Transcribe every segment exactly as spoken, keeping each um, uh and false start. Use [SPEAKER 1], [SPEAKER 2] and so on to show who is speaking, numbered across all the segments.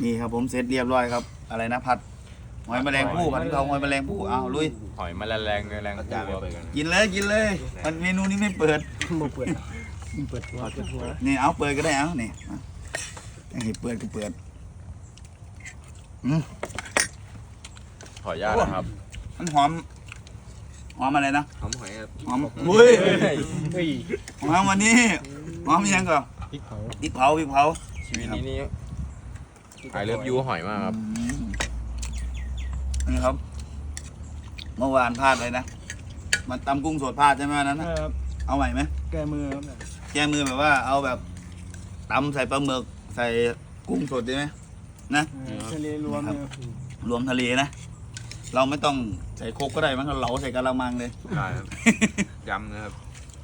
[SPEAKER 1] นี่ครับผมเสร็จเรียบร้อยครับอะไรนะผัดหอยแมลงภู่ผัดกะเพราหอยแมลงภู่อ้าวลุย
[SPEAKER 2] หอยแมลงแรงแรงปูครับ
[SPEAKER 1] กินเลยกินเลยมันเมนูนี้ไม่เปิด
[SPEAKER 3] บ่เปิดเปิดหัวเปิดหัว
[SPEAKER 1] นี่เอาเปิดก็ได้เอานี่ไอ้เปิดก็เปิดอืม
[SPEAKER 2] ขออนุญาตนะครับ
[SPEAKER 1] มันหอมหอมอะไรนะ
[SPEAKER 4] หอมหอยครับ
[SPEAKER 1] หอมอุ้ย
[SPEAKER 3] เฮ้ย
[SPEAKER 1] หอมวันนี้หอมยังก่อน
[SPEAKER 3] พริกเผา
[SPEAKER 1] พริกเผาพริกเผา
[SPEAKER 2] ชีวิตนี้นี่ไอเลิฟยูหอยมากครับ
[SPEAKER 1] อืมนี่ครับ เมื่อวานพลาดเลยนะมันตำกุ้งสดพลาดใช่ไหมวันนั้นนะ
[SPEAKER 3] ครับ
[SPEAKER 1] เอาใหม่ไหม
[SPEAKER 3] แก้มือครับ
[SPEAKER 1] แก้มือแบบว่าเอาแบบตำใส่ปลาหมึกใส่กุ้งสดได้ไหมนะ
[SPEAKER 3] ทะเลรวม
[SPEAKER 1] รวมทะเลนะ เราไม่ต้องใส่โคกก็ได้มั้งเราเหลาใส่กะละมังเลย
[SPEAKER 4] ได้ครับ ยำนะครับ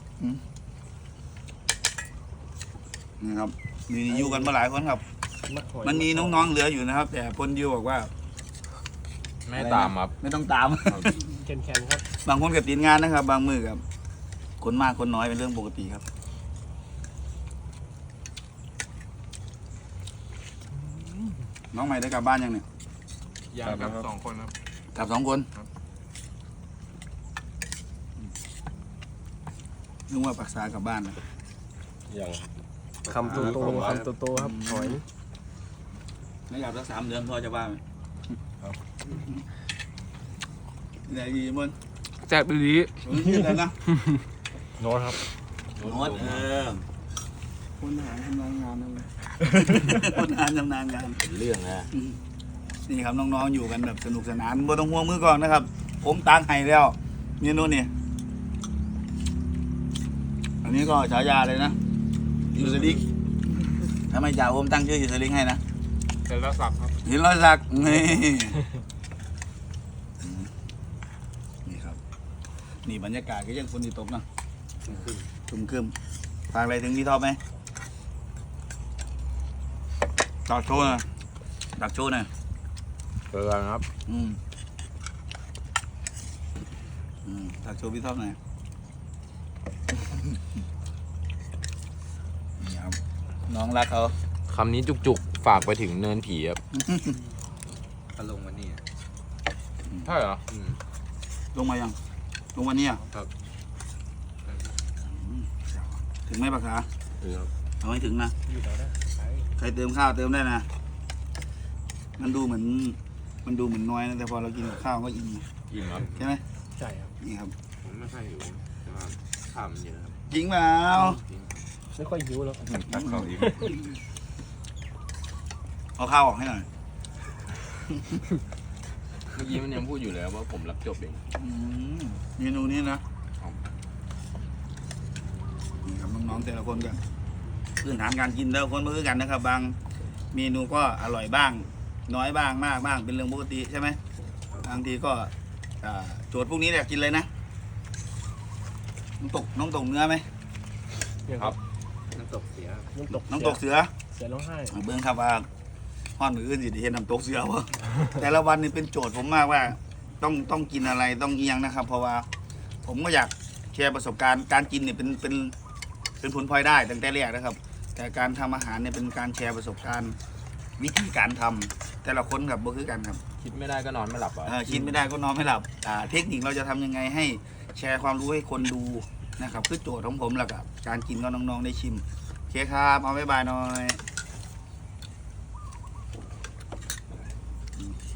[SPEAKER 1] นี่ครับมีอยู่กันมาหลายคนครับ มันมีน้องๆเหลืออยู่นะครับ แต่พลดิวบอกว่า
[SPEAKER 2] ไม่ตามครับ
[SPEAKER 1] ไม่ต้องตาม
[SPEAKER 3] แข็งแข็งครับ
[SPEAKER 1] บางคนกับติดงานนะครับ บางมือกับคนมากคนน้อยเป็นเรื่องปกติครับน้องใหม่ได้กลับบ้านยังเนี่ย
[SPEAKER 4] ยำกับสองคนครับ
[SPEAKER 1] กลับสองคนนึกว่าปักษากลับบ้านนะ
[SPEAKER 2] ยัง
[SPEAKER 3] คำโตโตคำโตโตครับหอย
[SPEAKER 1] ไม่กลับสักสามเดือนพอจะบ้านไหมไหนดีมัน
[SPEAKER 4] แซ่บดี
[SPEAKER 1] ยืดแล้วนะ
[SPEAKER 2] โน้ตครับ
[SPEAKER 1] โน้ตเออ
[SPEAKER 3] คนหาทำงานงานนั่นเลย
[SPEAKER 1] คนงานทำงานงาน
[SPEAKER 2] เรื่องนะ
[SPEAKER 1] นี่ครับน้องๆอยู่กันแบบสนุกสนานบ่ต้องห่วงมือก่อนนะครับ ผมตางไห้แล้วเมนูนี่อันนี้ก็ฉายาเลยนะยูสลิกทำไมจ่าผมตั้งชื่อยูสลิกให้นะ
[SPEAKER 4] เสร็จแล้วสับครับ
[SPEAKER 1] หินร้อยสักนี่นี่ครับ นี่บรรยากาศก็ยังฝนที่ตกนะครึมครึมฝากอะไรถึงพี่ท็อปไหมดักโชว์หน่อยดักโชว์หน่อย
[SPEAKER 2] เจอกันครับ
[SPEAKER 1] อืมอืมดักโชว์พี่ท็อปหน่อยนี่ครับน้องรักเขา
[SPEAKER 2] คำนี้จุกๆ ฝากไปถึงเนินผีครับ
[SPEAKER 4] ก็ลงมานี่
[SPEAKER 2] ใช่เหรอ
[SPEAKER 4] อืม
[SPEAKER 1] ลงมายังลงวันนี้อ่ะ
[SPEAKER 4] ครับ
[SPEAKER 1] อืมถึงไหมปากขา
[SPEAKER 2] ถึงครับ
[SPEAKER 1] เอาให้ถึงนะ
[SPEAKER 3] อยู่แถวนั้นไป
[SPEAKER 1] ใครเติมข้าวเติมได้นะ มันดูเหมือน มันดูเหมือนน้อยนะแต่พอเรากินกับข้าวก็อิ่ม
[SPEAKER 2] อิ่มครับ
[SPEAKER 1] ใช่ไหม
[SPEAKER 3] ใช่ครับ
[SPEAKER 1] นี่ครับ
[SPEAKER 4] ผมไม่ค่อยหิวแต่ว่าข้าวมันเยอะครับ
[SPEAKER 1] จริงเปล่า
[SPEAKER 4] จริง
[SPEAKER 3] ไม่ค่อยหิวแล้ว
[SPEAKER 4] ตักข้าวอีก
[SPEAKER 1] เอาข้าวออกให้หน่อย
[SPEAKER 2] เมื่อกี้มันยังพูดอยู่เลยว่าผมรับจบเอง
[SPEAKER 1] อืมเมนูนี้นะนี่ครับน้องๆแต่ละคนกันพื้นฐานการกินแต่ละคนไม่เหมือนกันนะครับ บางเมนูก็อร่อยบ้าง น้อยบ้างมากบ้างเป็นเรื่องปกติใช่ไหมบางทีก็อ่าโจทย์พวกนี้เนี่ยกินเลยนะน้ำตกน้องตกเนื้อไหม
[SPEAKER 2] ครับ
[SPEAKER 4] น้ำตกเสีย
[SPEAKER 3] น้ำตก
[SPEAKER 1] น้ำตกเสือ
[SPEAKER 3] เสือร้องไห้
[SPEAKER 1] เบื้องครับว่าห้อนมืออื่นสิได้เห็นน้ำตกเสือวะ แต่ละวันนี่เป็นโจทย์ผมมากว่า ต้องต้องกินอะไรต้องเอียงนะครับ เพราะว่าผมก็อยากแชร์ประสบการณ์การกินเนี่ยเป็นเป็นเป็นผลพลอยได้ตั้งแต่แรกนะครับ แต่การทำอาหารเนี่ยเป็นการแชร์ประสบการณ์วิธีการทำแต่ละคนกับบ่คือกันครับ
[SPEAKER 2] คิดไม่ได้ก็นอนไม่หลับอ่ะ
[SPEAKER 1] เออคิดไม่ได้ก็นอนไม่หลับอ่าเทคนิคเราจะทำยังไงให้แชร์ความรู้ให้คนดูนะครับคือโจทย์ของผมแล้วกับการกินก็น้องๆได้ชิมโอเคครับเอาบ๊ายบายหน่อย